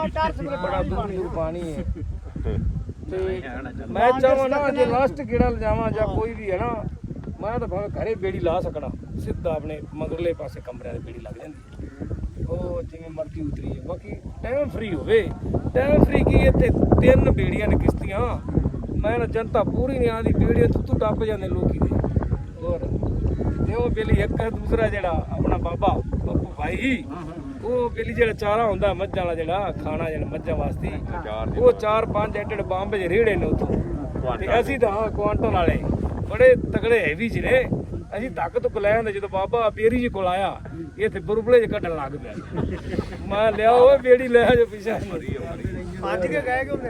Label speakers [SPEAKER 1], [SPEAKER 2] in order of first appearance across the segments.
[SPEAKER 1] ਬੜਾ ਦੂਰ ਪਾਣੀ ਹੈ ਤੇ ਮੈਂ ਚਾਹਾਂ ਨਾ ਜੇ ਲਾਸਟ ਗੇੜਾ ਲਿਜਾਵਾਂ ਜਾਂ ਕੋਈ ਵੀ ਹੈ ਨਾ, ਮੈਂ ਤਾਂ ਭਾਵੇਂ ਘਰੇ ਬੇੜੀ ਲਾ ਸਕਣਾ, ਸਿੱਧਾ ਆਪਣੇ ਮਗਰਲੇ ਪਾਸੇ ਕਮਰਿਆਂ ਦੀ ਬੇੜੀ ਲੱਗ ਜਾਂਦੀ, ਉਹ ਜਿਵੇਂ ਮਰਜ਼ੀ ਉਤਰੀ ਹੈ। ਬਾਕੀ ਟਾਈਮ ਫਰੀ ਹੋਵੇ, ਟਾਈਮ ਫਰੀ ਕੀ ਇੱਥੇ 3 ਬੇੜੀਆਂ ਨੇ ਕਿਸ਼ਤੀਆਂ, ਮੈਂ ਨਾ ਜਨਤਾ ਪੂਰੀ ਨਹੀਂ ਆਉਂਦੀ, ਬੇੜੀਆਂ ਤੂੰ ਟੱਪ ਜਾਂਦੇ ਲੋਕੀ ਦੇ। ਹੋਰ ਤੇ ਉਹ ਬੇਲੀ ਇੱਕ ਦੂਸਰਾ ਜਿਹੜਾ ਆਪਣਾ ਬਾਬਾ ਬੱਪੂ ਭਾਈ, ਉਹ ਬੇਲੀ ਜਿਹੜਾ ਚਾਰਾ ਹੁੰਦਾ ਮੱਝਾਂ ਵਾਲਾ ਜਿਹੜਾ ਖਾਣਾ ਜਿਹੜਾ ਮੱਝਾਂ ਵਾਸਤੇ, ਉਹ 4-5 ਐਡੇ ਬੰਬ ਜਿਹੇ ਰੇੜੇ ਨੇ ਉੱਥੋਂ, ਤੇ ਅਸੀਂ ਤਾਂ ਕੁਆਂਟਲ ਵਾਲੇ ਬੜੇ ਤਗੜੇ ਹੈਵੀ ਚ ਨੇ, ਅਸੀਂ ਧੱਕ ਧੁੱਕ ਲੈ ਆਂਦੇ। ਜਦੋਂ ਬਾਬਾ ਬੇਰੀ ਜੀ ਕੋਲ ਆਇਆ ਇੱਥੇ ਬੁਰਬਲੇ ਚ ਕੱਢਣ ਲੱਗ ਪਿਆ, ਮੈਂ ਲਿਆ ਉਹ ਬੇੜੀ ਲੈ ਜੋ ਪਿੱਛੇ ਅੱਜ ਕੇ ਗਏ ਕਿ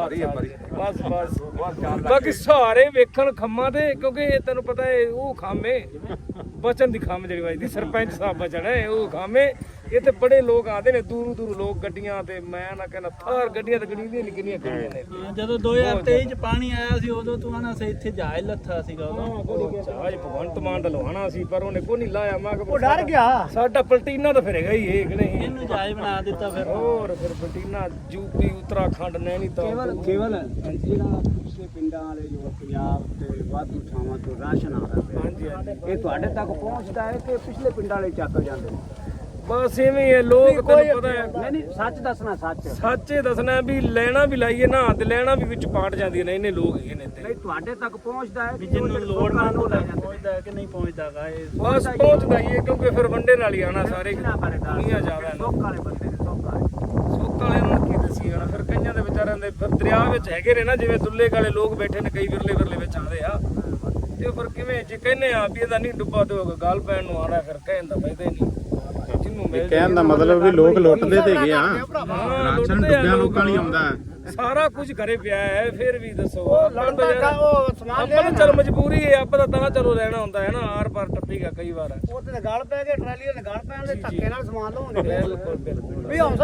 [SPEAKER 1] ਬਸ ਬਸ। ਬਾਕੀ ਸਾਰੇ ਵੇਖਣ ਖੰਮਾਂ ਤੇ, ਕਿਉਂਕਿ ਇਹ ਤੈਨੂੰ ਪਤਾ ਹੈ ਉਹ ਖਾਮੇ ਬਚਨ ਦੀ ਖੰਮ ਜਿਹੜੀ ਵੱਜਦੀ, ਸਰਪੰਚ ਸਾਹਿਬ ਬਚਨ ਹੈ ਉਹ ਖਾਮੇ। ਇੱਥੇ ਬੜੇ ਲੋਕ ਆਉਂਦੇ ਨੇ ਦੂਰੋਂ ਦੂਰੋਂ ਲੋਕ ਗੱਡੀਆਂ ਤੇ, ਮੈਂ ਨਾ ਕਹਿੰਦਾ ਥਾਰ ਗੱਡੀਆਂ ਤੇ ਗਣੀਆਂ ਨਿਕਲੀਆਂ ਖੜੀਆਂ ਨੇ।
[SPEAKER 2] ਜਦੋਂ 2023 ਚ ਪਾਣੀ ਆਇਆ ਸੀ ਉਦੋਂ ਤੂੰ ਆਣਾ ਸੀ ਇੱਥੇ ਜਹਾਜ਼ ਲੱਥਾ ਸੀਗਾ, ਉਦੋਂ
[SPEAKER 1] ਜਹਾਜ਼ ਭਗਵੰਤ ਮਾਨ ਦਾ ਲਵਾਣਾ ਸੀ ਪਰ ਉਹਨੇ ਕੋਈ ਨਹੀਂ ਲਾਇਆ। ਮੈਂ
[SPEAKER 2] ਉਹ ਡਰ ਗਿਆ,
[SPEAKER 1] ਸਾਡਾ ਪਲਟੀਨਾ ਤਾਂ ਫਿਰ ਹੈਗਾ ਹੀ ਇਹ ਕਿ ਨਹੀਂ,
[SPEAKER 2] ਇਹਨੂੰ ਜਹਾਜ਼ ਬਣਾ ਦਿੱਤਾ ਫਿਰ।
[SPEAKER 1] ਹੋਰ ਫਿਰ ਪਲਟੀਨਾ ਯੂਪੀ ਉੱਤਰਾਖੰਡ ਨੈਣੀਤਾਲ
[SPEAKER 3] ਕੇਵਲ ਜਿਹੜਾ ਪਿਛਲੇ ਪਿੰਡਾਂ ਵਾਲੇ ਜੋ ਪੰਜਾਬ ਤੇ ਵਾਧੂ ਥਾਵਾਂ ਤੋਂ ਰਾਸ਼ਨ ਆ ਰਿਹਾ ਪਿਆ,
[SPEAKER 1] ਹਾਂਜੀ ਹਾਂਜੀ
[SPEAKER 3] ਇਹ ਤੁਹਾਡੇ ਤੱਕ ਪਹੁੰਚਦਾ ਹੈ ਕਿ ਪਿਛਲੇ ਪਿੰਡਾਂ ਵਾਲੇ ਚੱਕ ਜਾਂਦੇ ਨੇ?
[SPEAKER 1] ਬਸ ਇਵੇਂ ਹੀ ਹੈ ਲੋਕ, ਤੈਨੂੰ ਪਤਾ ਹੈ
[SPEAKER 3] ਨਹੀਂ ਨਹੀਂ ਸੱਚ ਦੱਸਣਾ,
[SPEAKER 1] ਸੱਚੇ ਦੱਸਣਾ ਵੀ ਲੈਣਾ ਵੀ ਲਾਈਏ ਨਾ ਤੇ ਲੈਣਾ ਵੀ ਵਿੱਚ ਪਾਟ ਜਾਂਦੀਆਂ ਨੇ, ਇਹਨੇ ਲੋਕ ਹੈਗੇ ਨੇ ਇੱਥੇ।
[SPEAKER 3] ਨਹੀਂ ਤੁਹਾਡੇ ਤੱਕ ਪਹੁੰਚਦਾ ਹੈ
[SPEAKER 2] ਵੀ ਜਿਹਨੂੰ ਲੋੜ ਨਾ ਪਹੁੰਚਦਾ ਹੈ ਕਿ ਨਹੀਂ ਪਹੁੰਚਦਾਗਾ ਇਹ
[SPEAKER 1] ਬਸ ਪਹੁੰਚਦਾ ਹੀ ਹੈ, ਕਿਉਂਕਿ ਫਿਰ ਵੰਡੇ ਨਾਲ ਹੀ ਆਣਾ ਸਾਰੇ ਦੁਨੀਆ ਜ਼ਿਆਦਾ
[SPEAKER 3] ਸੁੱਕ ਵਾਲੇ ਬੰਦੇ ਨੇ, ਸੁੱਕ ਵਾਲੇ
[SPEAKER 1] ਸੁੱਕ ਵਾਲਿਆਂ ਨੂੰ ਕੀ ਦੱਸੀ ਜਾਣਾ। ਫਿਰ ਕਈਆਂ ਦੇ ਵਿਚਾਰਿਆਂ ਦੇ ਫਿਰ ਦਰਿਆ ਵਿੱਚ ਹੈਗੇ ਨੇ ਨਾ, ਜਿਵੇਂ ਦੁੱਲੇ ਕਾਲੇ ਲੋਕ ਬੈਠੇ ਨੇ, ਕਈ ਵਿਰਲੇ ਵਿੱਚ ਆਉਂਦੇ ਆ, ਤੇ ਫਿਰ ਕਿਵੇਂ ਜੇ ਕਹਿੰਦੇ ਆ ਵੀ ਇਹਦਾ ਨਹੀਂ ਡੁੱਬਾ ਤੇ ਗੱਲ ਪੈਣ ਨੂੰ ਆਣਾ, ਫਿਰ ਕਹਿਣ ਦਾ ਫਾਇਦਾ ਹੀ ਨਹੀਂ।
[SPEAKER 4] ਕਹਿਣ ਦਾ ਮਤਲਬ ਵੀ ਲੋਕ ਲੁੱਟਦੇ ਤੇ ਹੈਗੇ ਆ, ਰਾਸ਼ਨ ਡੁੱਬਿਆਂ ਲੋਕਾਂ ਲਈ ਆਉਂਦਾ
[SPEAKER 1] ਸਾਰਾ ਕੁਝ ਘਰੇ ਪਿਆ ਹੈ, ਫਿਰ ਵੀ ਦੱਸੋ ਆਪਾਂ ਤਾਂ ਚਲ ਮਜਬੂਰੀ ਹੈ, ਆਪਾਂ ਤਾਂ ਚਲੋ ਲੈਣਾ ਹੁੰਦਾ ਹੈ ਨਾ, ਆਰ ਪਾਰ ਟੱਪੀਗਾ ਕਈ ਵਾਰ।
[SPEAKER 3] ਉਹ ਤੇ ਗਲ ਪੈ ਗਏ, ਟਰਾਲੀ ਦੇ ਗਲ ਪੈਣ ਦੇ ਧੱਕੇ ਨਾਲ ਸਮਾਨ ਲਾਉਂਦੇ।
[SPEAKER 1] ਬਿਲਕੁਲ ਬਿਲਕੁਲ।